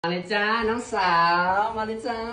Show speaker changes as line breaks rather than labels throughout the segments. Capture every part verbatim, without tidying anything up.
มาเลยจ้าน้องสาวมาเลยจ้า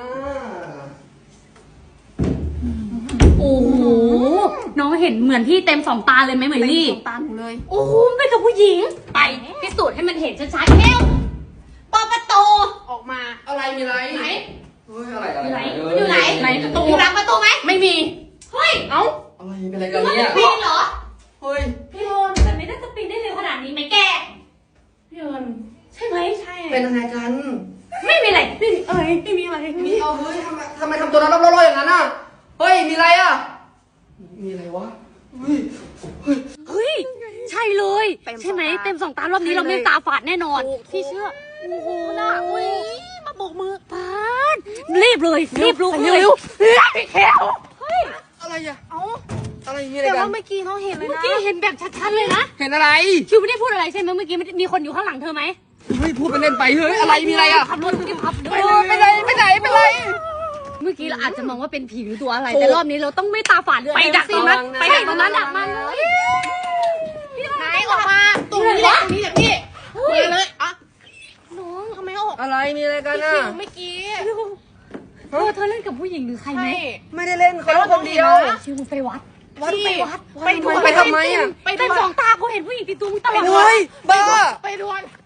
โอ้โหน้องเห็นเหมือนพี่เต็มสองตาเลยไหมเหมือนลี่
สองตาหนูเลย
โอ้โหไม่กับผู้หญิงไปพิสูจน์ให้มันเห็นชัดๆเร็วเปิดประตู
ออกมา
อะไรมีอะไร
ไหน
เฮ้ยอะไรอะไร
อยู่ไหน
เ
อยู่ไหน
ไหนประตู
อยู่หลังประตูไหม
ไม่มี
เฮ้ย
เอ้า
อะไรเป็นอะไร
ห
กั
รื
น
อว่า
เนี่
เป็
ย
นปีนเหรอ
เฮ้ย
พี่โรนแต่ไม่น่าจะปีนได้เร็วขนาดนี้ไหมแก
พี่เอิญ
ใช่ไหม
ใช่
เป็นอะไรกัน
ไม่มีอะไร
ไม่มีเอ้ยไม่มีอะไร
มีเอาเฮ้ยทำไมทำไมทำตัวนั้นรับร้อยๆอย่างนั้นอ่ะเฮ้ยมีอะไรอ่ะมีอะไรวะเฮ้ย
เฮ้ยใช่เลยใช่ไหมเต็มสองตารอบนี้เราไม่ตาฝาดแน่นอนพี่เชื่อโอ้โหน่ะอุ้ยมาโบกมือปานรีบเลยรีบลุกเลย
พี่แก้ว
เฮ้ย
อะไรอ่ะ
เอ้า
อะไรมีอะไร
แต่
กั
ว่าน เมื่อกี้น้องเห็นเลย
เมื่อ
นะ
กี้เห็นแบบชัดๆเลยนะ
เห็นอะไร
คิวไม่ได้พูดอะไรใช่ไหมเมื่อกี้มีคนอยู่ข้างหลังเธอไหม
เฮ้ยพูดไปเล่นไปเฮ้ยอะไรมีอะไรอ่ะ
ขับรถรีบขับ
ไปเลยไปไหนไปไหนไปไหน
เมื่อกี้เราอาจจะมองว่าเป็นผีหรือตัวอะไร แต่รอบนี้เราต้องไม่ตาฝาดเลย
ไปดักตรงนั้น
ไปดักตรงนั้นดักมันเลย
ไหนออกมาตรงนี้แหละตรงนี้แหละพี่มาเลยอ่ะ
น้อง
ทำไมออก
อะไรมีอะไรกันอ่ะ
คิวเมื่อกี้
เธอเธอเล่นกับผู้หญิงหรือใครไหม
ใช่
ไม่ได้เล่นเขาคนเดียว
ชิวไปวัด
วัด
พี่
ไป
ไปดู
ไปทำไมอ่ะ
ไปดู
เป็นสองตากูเห็นผู้หญิงติดตัวมึงตลอด
เฮ้ยบ้า
ไปดวน